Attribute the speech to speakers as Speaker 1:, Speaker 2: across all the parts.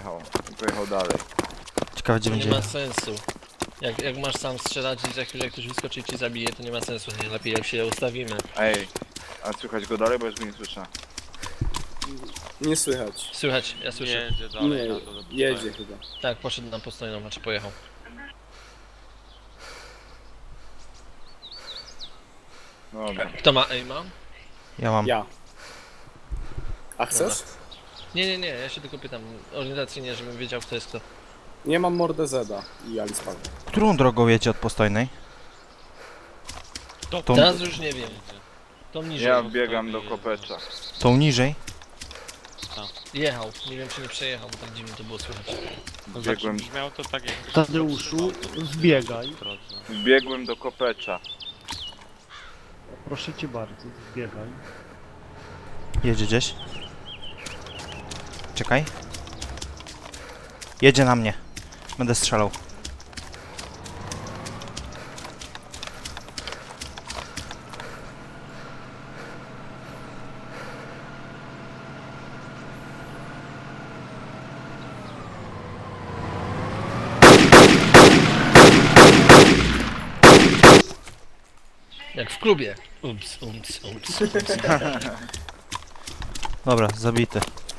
Speaker 1: pojechał. I pojechał dalej.
Speaker 2: Ciekawe gdzie
Speaker 3: To nie
Speaker 2: będzie.
Speaker 3: ma sensu. Jak masz sam strzelać i za chwilę ktoś wyskoczy i ci zabije, to nie ma sensu. Nie lepiej jak się ustawimy.
Speaker 1: Ej, a słychać go dalej, bo już go nie słyszę.
Speaker 4: Nie słychać.
Speaker 3: Słychać, ja słyszę.
Speaker 5: Jedzie dalej
Speaker 4: Nie,
Speaker 5: na to do
Speaker 4: jedzie chyba.
Speaker 3: Tak, poszedł na postojną, znaczy pojechał.
Speaker 1: Dobra.
Speaker 3: Kto ma aima?
Speaker 2: Ja mam.
Speaker 4: Ja. A chcesz?
Speaker 3: Nie, ja się tylko pytam orientacyjnie, żebym wiedział kto jest kto.
Speaker 4: Nie mam mordę Zeda i Alice Paweł.
Speaker 2: Którą drogą jedzie od postojnej? Tą,
Speaker 3: Teraz już nie wiem. To niżej.
Speaker 1: Ja biegam do kopecza.
Speaker 2: tą niżej?
Speaker 3: Jechał, nie wiem czy nie przejechał, bo tak dziwnie to było słychać.
Speaker 1: Biegłem,
Speaker 5: Brzmiało to tak jak...
Speaker 6: Tadeuszu, zbiegaj.
Speaker 1: biegłem do kopecza.
Speaker 6: Proszę cię bardzo, zbiegaj.
Speaker 2: Jedzie gdzieś. Czekaj. Jedzie na mnie. Będę strzelał.
Speaker 3: Jak w klubie. Ups.
Speaker 2: Dobra, zabity.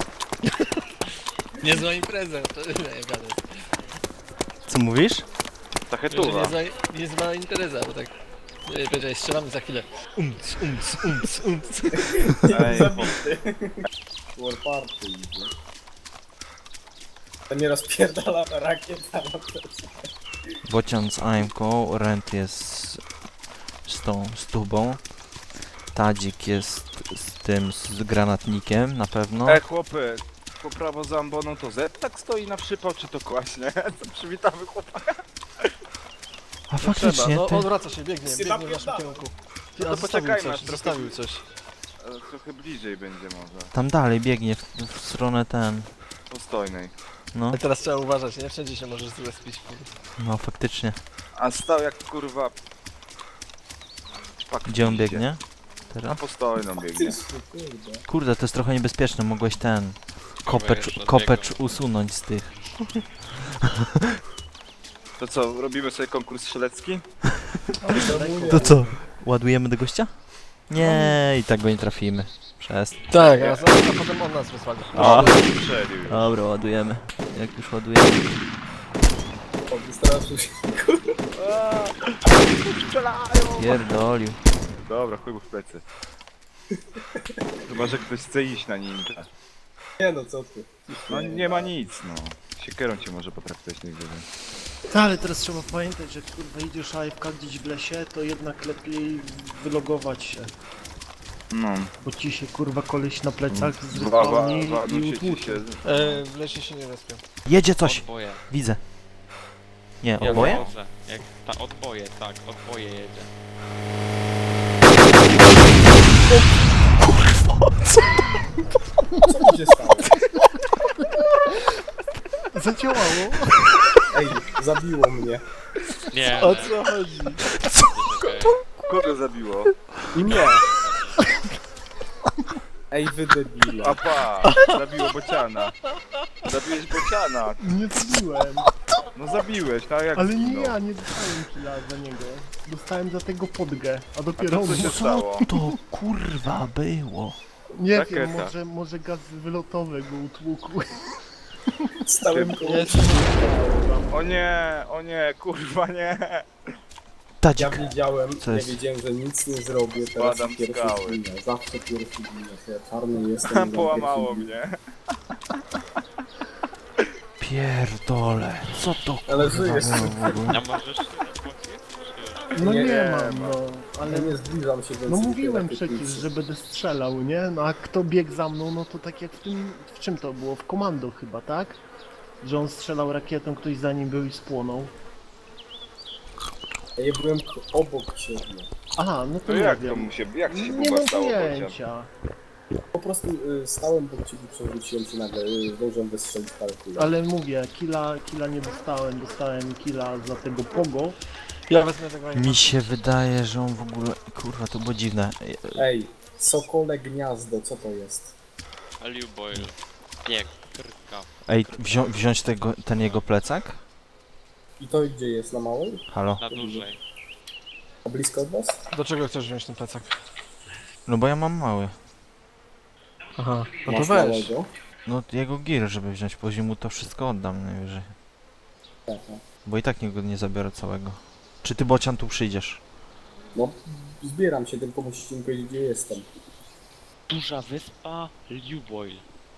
Speaker 3: Niezła impreza, to nie gadać.
Speaker 2: Co mówisz?
Speaker 1: Tachetuwa.
Speaker 3: Niezła impreza, bo tak... Powiedziałeś, strzelamy za chwilę. Umc.
Speaker 1: Ej,
Speaker 4: Warparty idzie. To nie rozpierdala ta rakieta na plecy.
Speaker 2: Bocian z AMK, Rent jest z tubą. Tadzik jest z tym, z granatnikiem na pewno.
Speaker 1: chłopy, po prawo za amboną to Z tak stoi na przypał, czy to kłaśnie? To przywitamy chłopaka.
Speaker 2: A faktycznie,
Speaker 3: No
Speaker 2: ty...
Speaker 3: odwraca się, biegnie w naszym
Speaker 4: napierdala.
Speaker 3: kierunku.
Speaker 1: No to
Speaker 3: A
Speaker 1: poczekajmy, aż trochę-
Speaker 3: zostawił coś.
Speaker 1: Trochę bliżej będzie może.
Speaker 2: Tam dalej biegnie w stronę ten...
Speaker 1: Postojnej.
Speaker 2: No,
Speaker 3: Ale teraz trzeba uważać, nie? Wszędzie się możesz zrespić.
Speaker 2: no faktycznie.
Speaker 1: A stał jak kurwa... Szpak
Speaker 2: Gdzie on
Speaker 1: idzie.
Speaker 2: biegnie?
Speaker 1: Na
Speaker 2: Teraz?
Speaker 1: postojną biegnie.
Speaker 4: Kurde.
Speaker 2: Kurde, to jest trochę niebezpieczne, mogłeś ten...
Speaker 5: już
Speaker 2: Kopecz
Speaker 5: odbiegał.
Speaker 2: usunąć z tych.
Speaker 1: To co, robimy sobie konkurs strzelecki?
Speaker 2: To co? Ładujemy do gościa? Nie, i tak go nie trafimy. Przez.
Speaker 3: Tak, a potem on nas wysłali.
Speaker 2: A.
Speaker 1: Strzelił już.
Speaker 2: Dobra, ładujemy. Jak już ładujemy.
Speaker 4: O, wystraszył się.
Speaker 2: Pierdolił.
Speaker 1: Dobra, chuj mu w plecy. Chyba, że ktoś chce iść na nim.
Speaker 4: Nie no, co ty.
Speaker 1: No nie ma nic, no. Siekierą cię może potraktować nigdy.
Speaker 6: Ale teraz trzeba pamiętać, że kurwa idziesz AFK gdzieś w lesie, to jednak lepiej wylogować się.
Speaker 1: No.
Speaker 6: Bo ci się kurwa koleś na plecach zrypałni i
Speaker 1: Wadujcie
Speaker 6: utłucze.
Speaker 1: się.
Speaker 3: W lesie się nie respią.
Speaker 2: Jedzie coś!
Speaker 5: Odboje.
Speaker 2: Widzę. Nie,
Speaker 5: Ja
Speaker 2: oboje?
Speaker 5: wożę. Jak ta odboje, tak, odboje jedzie.
Speaker 4: Co tu się stało?
Speaker 6: Zadziałało!
Speaker 4: Ej, zabiło mnie.
Speaker 5: Nie,
Speaker 3: O co chodzi?
Speaker 1: Kogo zabiło?
Speaker 4: Nie. Ej, wy debile.
Speaker 1: Apa! Zabiło bociana. Zabiłeś bociana.
Speaker 6: Nie zbiłem,
Speaker 1: No zabiłeś, tak jak
Speaker 6: ale nie
Speaker 1: zginął.
Speaker 6: ja, nie dostałem killa za niego. Dostałem za tego podgę, a
Speaker 1: A
Speaker 6: dopiero
Speaker 1: co się stało?
Speaker 2: To kurwa było.
Speaker 6: nie
Speaker 1: Rakieta.
Speaker 6: wiem, może gaz wylotowy go utłukł.
Speaker 4: Stałem koło
Speaker 3: Jest.
Speaker 1: O nie, kurwa nie.
Speaker 4: Ja
Speaker 2: Tadzik.
Speaker 4: wiedziałem,
Speaker 2: Co
Speaker 4: ja
Speaker 2: jest?
Speaker 4: wiedziałem, że nic nie zrobię, teraz
Speaker 1: Spadam z
Speaker 4: pierwszy
Speaker 1: skały.
Speaker 4: zginę. Zawsze pierwszy zginę. Ja czarny jestem.
Speaker 1: Połamało
Speaker 4: pierwszy
Speaker 1: mnie.
Speaker 2: Pierdole. Co to
Speaker 4: Ale
Speaker 2: kurwa
Speaker 4: żyjesz.
Speaker 2: było w ogóle?
Speaker 5: A możesz się odpłacić?
Speaker 6: No
Speaker 4: Nie,
Speaker 6: nie,
Speaker 4: nie
Speaker 6: mam,
Speaker 4: ma.
Speaker 6: no.
Speaker 4: Ale
Speaker 6: Ale
Speaker 4: nie zbliżam się więcej.
Speaker 6: no
Speaker 4: do tej
Speaker 6: mówiłem
Speaker 4: rakietnicy.
Speaker 6: przecież, że będę strzelał, nie? No a kto biegł za mną, no to tak jak w tym, w czym to było? W komando chyba, tak? Że on strzelał rakietą, ktoś za nim był i spłonął.
Speaker 4: Ja byłem obok ciebie.
Speaker 6: Aha, no to
Speaker 1: To
Speaker 6: nie
Speaker 1: jak to
Speaker 6: wiem.
Speaker 1: mu się, jak ci się
Speaker 6: Nie
Speaker 1: Buba
Speaker 6: mam
Speaker 1: stało bocian?
Speaker 6: pojęcia.
Speaker 4: Po prostu stałem obok ciebie, przewróciłem się nagle, zdążyłem wystrzelić parę kul.
Speaker 6: Ale mówię, killa nie dostałem, dostałem killa za tego pogo.
Speaker 3: Ja wezmę tego aima.
Speaker 2: Mi się wydaje, że on w ogóle... Kurwa, to było dziwne.
Speaker 4: Ej, sokole gniazdo, co to jest?
Speaker 5: Aliu Boyle. Nie, Krka.
Speaker 2: Ej, wziąć ten jego plecak?
Speaker 4: I to gdzie jest? Na małej?
Speaker 2: Halo?
Speaker 5: Na dłużej.
Speaker 4: A blisko od was?
Speaker 3: Do czego chcesz wziąć ten plecak?
Speaker 2: No bo ja mam mały.
Speaker 3: Aha, no to
Speaker 4: Masz
Speaker 3: weź.
Speaker 4: małego?
Speaker 2: No jego gear, żeby wziąć, później mu to wszystko oddam najwyżej.
Speaker 4: Aha.
Speaker 2: Bo i tak nie zabiorę całego. Czy ty, Bocian, tu przyjdziesz?
Speaker 4: No, zbieram się, tylko musicie mi powiedzieć, gdzie jestem.
Speaker 5: Duża wyspa Liuboil.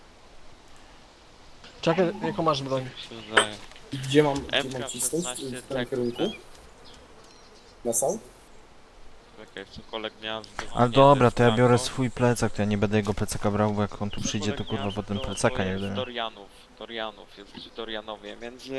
Speaker 3: Czekaj, jaką masz broń?
Speaker 5: Mi się wydaje.
Speaker 4: Gdzie mam cisnąć?
Speaker 5: MK16
Speaker 4: W tym
Speaker 5: tak.
Speaker 4: kierunku? Na south?
Speaker 5: Czekaj, cokolwiek miałem
Speaker 2: Ale dobra, to ja biorę swój plecak, to ja nie będę jego plecaka brał, bo jak on tu przyjdzie, to kurwa potem plecaka nie będę miał.
Speaker 5: Dorianów, jesteście Dorianowie, między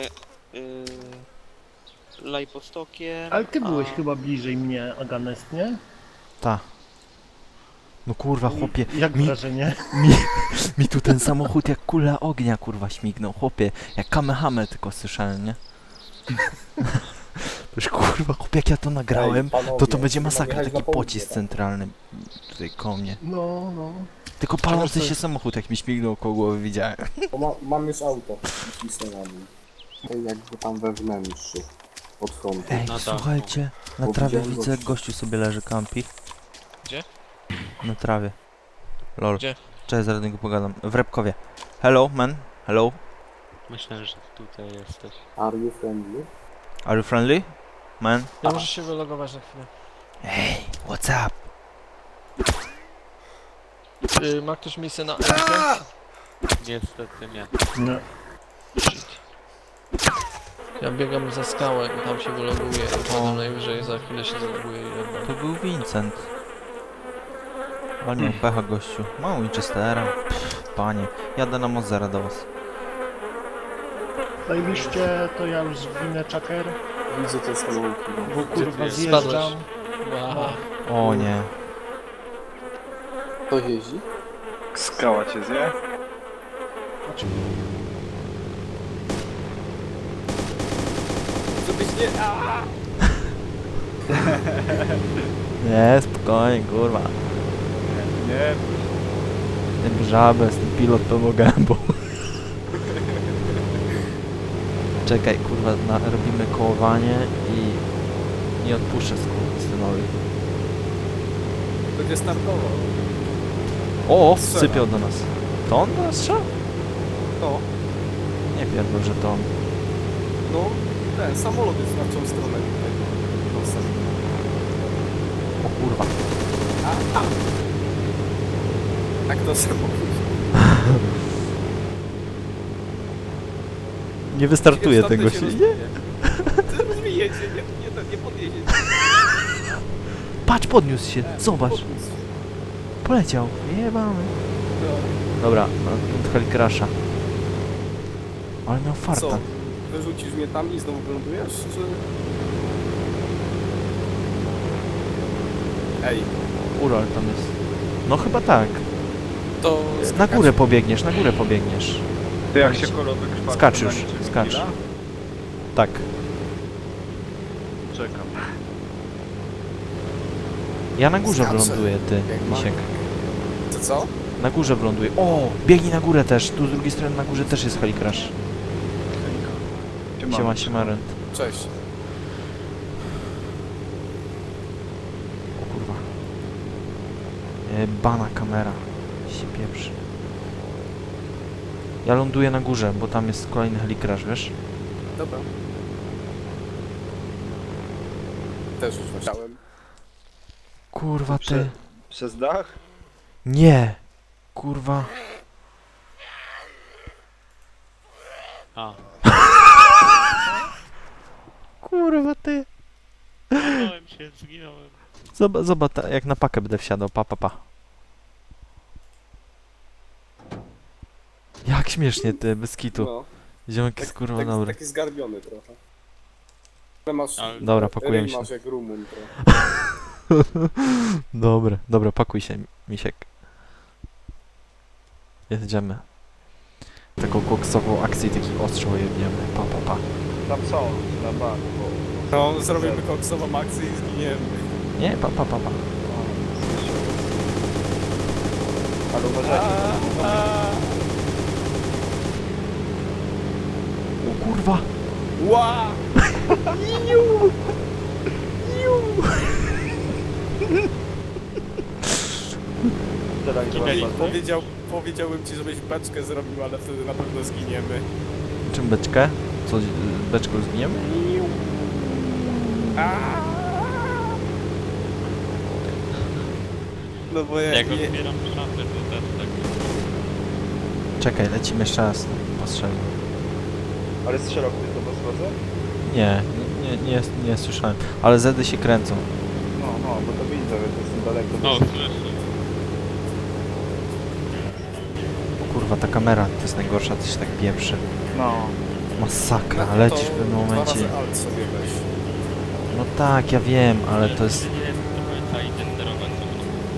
Speaker 5: Lajpostokiem
Speaker 6: Ale ty
Speaker 5: a...
Speaker 6: byłeś chyba bliżej mnie, Aganest, nie?
Speaker 2: Ta. No kurwa, chłopie,
Speaker 6: Jak
Speaker 2: mi-
Speaker 6: wrażenie?
Speaker 2: mi tu ten samochód jak kula ognia kurwa śmignął, chłopie, jak Kamehame tylko słyszałem, nie? Już kurwa, chłopie, jak ja to nagrałem,
Speaker 4: Ej, panowie,
Speaker 2: to będzie
Speaker 4: chyba
Speaker 2: masakra,
Speaker 4: jechać
Speaker 2: taki
Speaker 4: na południe,
Speaker 2: pocisk
Speaker 4: tak?
Speaker 2: centralny tutaj koło mnie.
Speaker 6: No, no.
Speaker 2: Tylko palący
Speaker 3: Czego
Speaker 2: się
Speaker 3: chcesz?
Speaker 2: samochód, jak mi śmignął koło głowy, widziałem.
Speaker 4: Bo mam już auto. Cisnę na nim. Jakby tam we wnętrzu. Od frontu.
Speaker 2: Ej,
Speaker 5: dachu.
Speaker 2: słuchajcie, na
Speaker 4: Bo
Speaker 2: trawie
Speaker 4: widziałem
Speaker 2: widzę, jak
Speaker 4: gościa.
Speaker 2: gościu sobie leży, kampi.
Speaker 3: Gdzie?
Speaker 2: Na trawie. Lol.
Speaker 3: Gdzie?
Speaker 2: Cześć, zaraz do niego pogadam. W Repkowie. Hello, man. Hello.
Speaker 5: Myślę, że tutaj jesteś.
Speaker 4: Are you friendly?
Speaker 2: Are you friendly? Man?
Speaker 3: Ja muszę się wylogować na chwilę.
Speaker 2: Hey, what's up?
Speaker 3: Ma ktoś miejsce na Elkę?
Speaker 5: Niestety nie.
Speaker 6: No.
Speaker 3: Shit. Ja biegam za skałę i tam się wyloguję i potem najwyżej za chwilę się zaloguję i oddam.
Speaker 2: To był Vincent. Ale miał pecha gościu. Mało Winchestera. Pff, panie. Jadę na Mozera do was.
Speaker 6: Zajebiście, to ja już winę czaker,
Speaker 4: Widzę ten samochód.
Speaker 6: bo kurwa
Speaker 5: jest?
Speaker 6: zjeżdżam.
Speaker 3: Wow.
Speaker 2: O nie.
Speaker 4: Kto jeździ?
Speaker 1: Skała cię zje?
Speaker 4: Żebyś nie...
Speaker 2: Nie, spokojnie, kurwa.
Speaker 1: Nie,
Speaker 2: Ten żabę, ten pilot pełną gębą. Czekaj, kurwa, robimy kołowanie i nie odpuszczę synowi.
Speaker 4: Będzie startował.
Speaker 2: O,
Speaker 4: Strzela.
Speaker 2: sypiał do nas. To on do nas strzał?
Speaker 4: To?
Speaker 2: Nie pierdol, że to on.
Speaker 4: No, ten samolot jest na tą stronę tutaj. Nosem.
Speaker 2: O kurwa.
Speaker 4: Tak to samochód.
Speaker 2: Nie wystartuje tego się. Nie.
Speaker 4: Ty zmijecie, nie podjedzie.
Speaker 2: Patrz, podniósł się, zobacz. Poleciał. Jebamy. Dobra, na Helikrasza. Ale miał farta.
Speaker 4: Co? Wyrzucisz mnie tam i znowu wylądujesz, czy... Ej,
Speaker 2: Ural tam jest. No chyba tak.
Speaker 4: to...
Speaker 2: Na górę pobiegniesz, na górę pobiegniesz.
Speaker 1: ty jak się kolowy krwawi,
Speaker 2: Skacz
Speaker 1: to
Speaker 2: już,
Speaker 1: na niczym
Speaker 2: skacz.
Speaker 1: chwila?
Speaker 2: Tak.
Speaker 1: Czekam.
Speaker 2: Ja na górze
Speaker 4: Skaczę.
Speaker 2: wyląduję, ty,
Speaker 4: Jak
Speaker 2: Misiek.
Speaker 4: To co?
Speaker 2: Na górze wyląduję. O, biegnij na górę też. Tu z drugiej strony na górze też jest Helikrash. Siema, Rent.
Speaker 4: Cześć.
Speaker 2: O kurwa. Bana kamera. Się pieprzy. Ja ląduję na górze, bo tam jest kolejny Helikrash, wiesz?
Speaker 4: Dobra. Też już chciałem.
Speaker 2: Kurwa ty.
Speaker 1: Przez dach?
Speaker 2: Nie. Kurwa.
Speaker 5: A,
Speaker 2: Kurwa ty.
Speaker 5: zginąłem się, zginąłem.
Speaker 2: Zobacz, jak na pakę będę wsiadał. Pa. Jak śmiesznie ty, bez kitu.
Speaker 4: No,
Speaker 2: Ziomek jest kurwa dobry.
Speaker 4: taki zgarbiony trochę. Ale masz...
Speaker 5: Ale-
Speaker 2: Dobra, pakujemy się.
Speaker 4: Masz jak Rumun trochę.
Speaker 2: Dobra, pakuj się, Misiek. Jedziemy. Taką koksową akcję, taki ostrzał jebniemy. Pa.
Speaker 1: Tam są, na banku.
Speaker 4: No, zrobimy koksową akcję i zginiemy.
Speaker 2: Nie, pa.
Speaker 1: Ale uważajcie.
Speaker 2: Kurwa!
Speaker 1: Ła! Teraz
Speaker 5: Ej,
Speaker 7: Powiedziałbym ci, żebyś beczkę zrobił, ale wtedy na pewno zginiemy.
Speaker 2: Czym beczkę? Co, beczką zgniemy?
Speaker 7: No bo ja
Speaker 5: Jak
Speaker 7: nie...
Speaker 5: otwieram szafę, to też tak...
Speaker 2: Czekaj, lecimy jeszcze raz. Postrzelmy.
Speaker 1: Ale strzelał ktoś do was razem?
Speaker 2: Nie słyszałem. Ale zedy się kręcą.
Speaker 1: No, bo to widzę, że to jestem daleko.
Speaker 5: O, słyszę.
Speaker 2: O kurwa, ta kamera to jest najgorsza, to się tak pieprzy.
Speaker 1: No.
Speaker 2: Masakra,
Speaker 7: No
Speaker 2: lecisz
Speaker 7: to
Speaker 2: w pewnym
Speaker 7: 2
Speaker 2: momencie.
Speaker 7: razy alt sobie weź.
Speaker 2: No tak, ja wiem, ale to jest...
Speaker 5: Nie wiem, do końca identerować co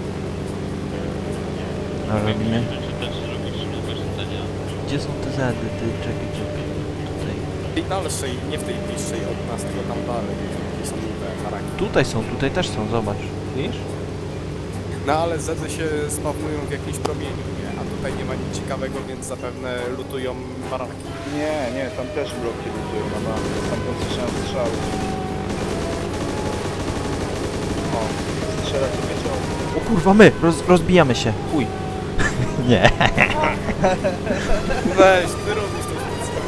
Speaker 5: to.
Speaker 2: Ale robimy...
Speaker 5: Czy też robisz nowe życzenia?
Speaker 2: Gdzie są te zedy? Ty, czekaj. Tutaj.
Speaker 7: W tej dalszej, nie w tej bliższej od nas, tylko tam dalej. Gdzie są te haraki.
Speaker 2: Tutaj też są, zobacz. Widzisz?
Speaker 7: No ale zedy się spawnują w jakimś promieniu, nie? A tutaj nie ma nic ciekawego, więc zapewne lutują baraki.
Speaker 1: Nie, tam też bloki ludzie na bank. Tam słyszałem strzały. O, strzela sobie czoło.
Speaker 2: O kurwa, my! Rozbijamy się. Chuj. Nie.
Speaker 7: Weź, ty robisz to wszystko.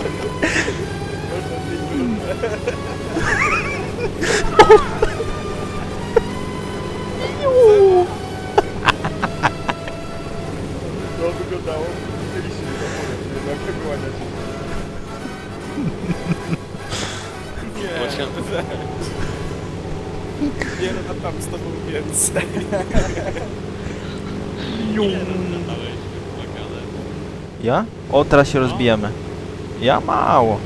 Speaker 1: To wyglądało, chcieliście mi to powiedzieć, jednak wyłaniać.
Speaker 7: Nie, nie no, tam z tobą więcej.
Speaker 5: Ile rozdałeś wymagane?
Speaker 2: Ja? O, teraz się rozbijamy. Ja mało.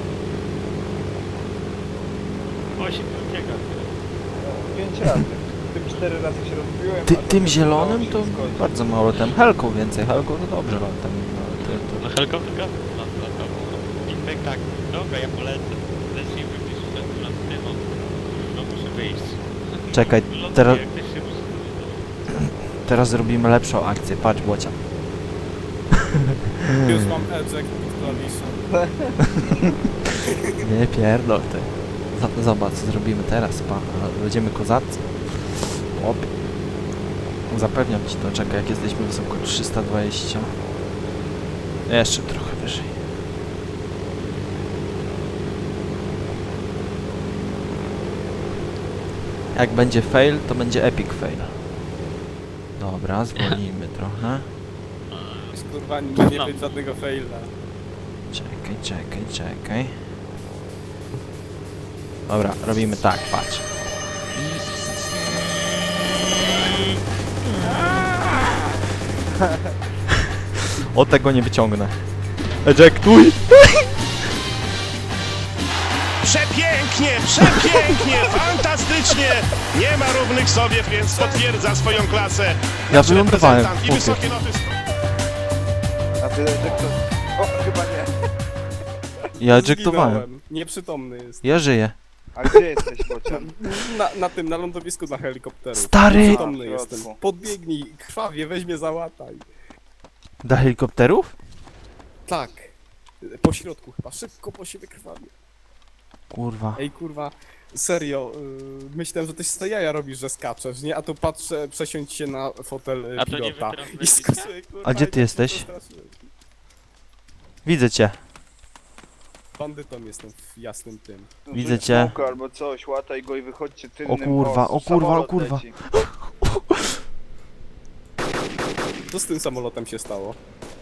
Speaker 5: 8 ucieka.
Speaker 1: 5 razy. Tym 4 razy się rozbiłem.
Speaker 2: Ty,
Speaker 1: a
Speaker 2: tym
Speaker 1: to
Speaker 2: zielonym
Speaker 1: się
Speaker 2: to
Speaker 1: skończy.
Speaker 2: bardzo mało tem. Helką więcej, helką to dobrze latam.
Speaker 5: No helikopter latał. Feedback tak, dobra, ja polecę. Lecimy gdzieś nad tym, no muszę wyjść.
Speaker 2: Czekaj,
Speaker 5: Ląduję,
Speaker 2: teraz-
Speaker 5: jak ktoś się
Speaker 2: Teraz zrobimy lepszą akcję. Patrz, Bocia.
Speaker 7: Już mam eject pod klawiszem.
Speaker 2: Nie pierdol ty. Zobacz, co zrobimy teraz, pa. Będziemy kozacy. Op. Zapewniam ci to. Czekaj, jak jesteśmy wysoko 320. Jeszcze trochę wyżej. Jak będzie fail, to będzie epic fail. Dobra, zwolnijmy trochę.
Speaker 7: Kurwa, nie być żadnego faila.
Speaker 2: Czekaj. Dobra, robimy tak, patrz. O, tego nie wyciągnę. Ejectuj!
Speaker 8: Przepięknie, fantastycznie! Nie ma równych sobie, więc potwierdza swoją klasę.
Speaker 2: Ja
Speaker 8: Nasz
Speaker 2: wylądowałem,
Speaker 8: reprezentant i
Speaker 2: chłopie.
Speaker 8: wysokie loty
Speaker 1: A ty, że kto... O, chyba nie.
Speaker 2: Ja ejektowałem.
Speaker 7: Zginąłem. Nieprzytomny jest.
Speaker 2: Ja żyję.
Speaker 1: A gdzie jesteś, Bocian?
Speaker 7: Na lądowisku dla helikopterów.
Speaker 2: Stary!
Speaker 7: Nieprzytomny
Speaker 1: A, w
Speaker 7: jestem.
Speaker 1: środku.
Speaker 7: Podbiegnij, krwawie, weź mnie załataj.
Speaker 2: Do helikopterów?
Speaker 7: Tak. Po środku chyba, szybko, bo się wykrwawię.
Speaker 2: Kurwa.
Speaker 7: Ej kurwa, serio, myślałem, że ty z jaja robisz, że skaczesz, nie? A tu patrzę, przesiądź się na fotel
Speaker 5: A to nie
Speaker 7: pilota.
Speaker 5: wy teraz
Speaker 7: I
Speaker 5: byliście?
Speaker 7: skaczę, kurwa,
Speaker 2: A gdzie
Speaker 7: i
Speaker 2: ty
Speaker 7: tak się
Speaker 2: jesteś?
Speaker 7: przestraszyłem.
Speaker 2: Widzę cię.
Speaker 7: Bandytą jestem w jasnym tym.
Speaker 2: Widzę cię.
Speaker 1: Smoka albo coś, łataj go i wychodźcie tylnym.
Speaker 2: O kurwa.
Speaker 1: samolot leci.
Speaker 7: Co z tym samolotem się stało?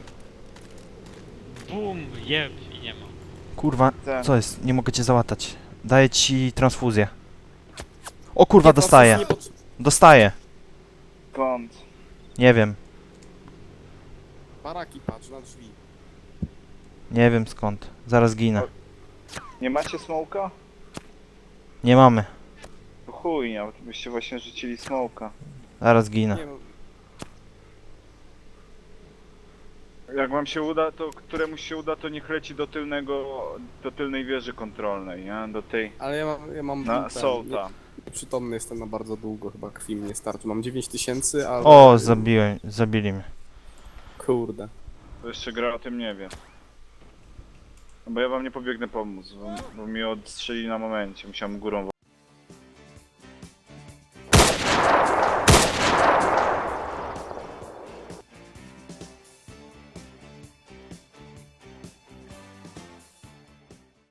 Speaker 5: Bum, jeb i nie ma.
Speaker 2: Kurwa,
Speaker 1: Ten.
Speaker 2: co jest? Nie mogę cię załatać. Daję ci transfuzję. O kurwa,
Speaker 7: Nie,
Speaker 2: dostaję.
Speaker 7: nie potrze-
Speaker 2: Dostaję.
Speaker 1: Skąd?
Speaker 2: Nie wiem.
Speaker 7: Baraki, patrz na drzwi.
Speaker 2: Nie wiem skąd. Zaraz ginę.
Speaker 1: Nie macie smoka?
Speaker 2: Nie mamy.
Speaker 1: To chuj, nie, byście właśnie rzucili smoka.
Speaker 2: Zaraz ginę.
Speaker 7: Nie, no,
Speaker 1: Jak wam się uda, to któremuś się uda, to niech leci do tylnej wieży kontrolnej, nie? Do tej,
Speaker 7: ale ja mam
Speaker 1: na
Speaker 7: ten,
Speaker 1: Sołta.
Speaker 7: Przytomny jestem na bardzo długo, chyba krwi mi nie starczy. Mam 9000, ale...
Speaker 2: O, zabili mnie.
Speaker 7: Kurde.
Speaker 1: To jeszcze gra o tym nie wie. No bo ja wam nie pobiegnę pomóc, bo mi odstrzeli na momencie, musiałem górą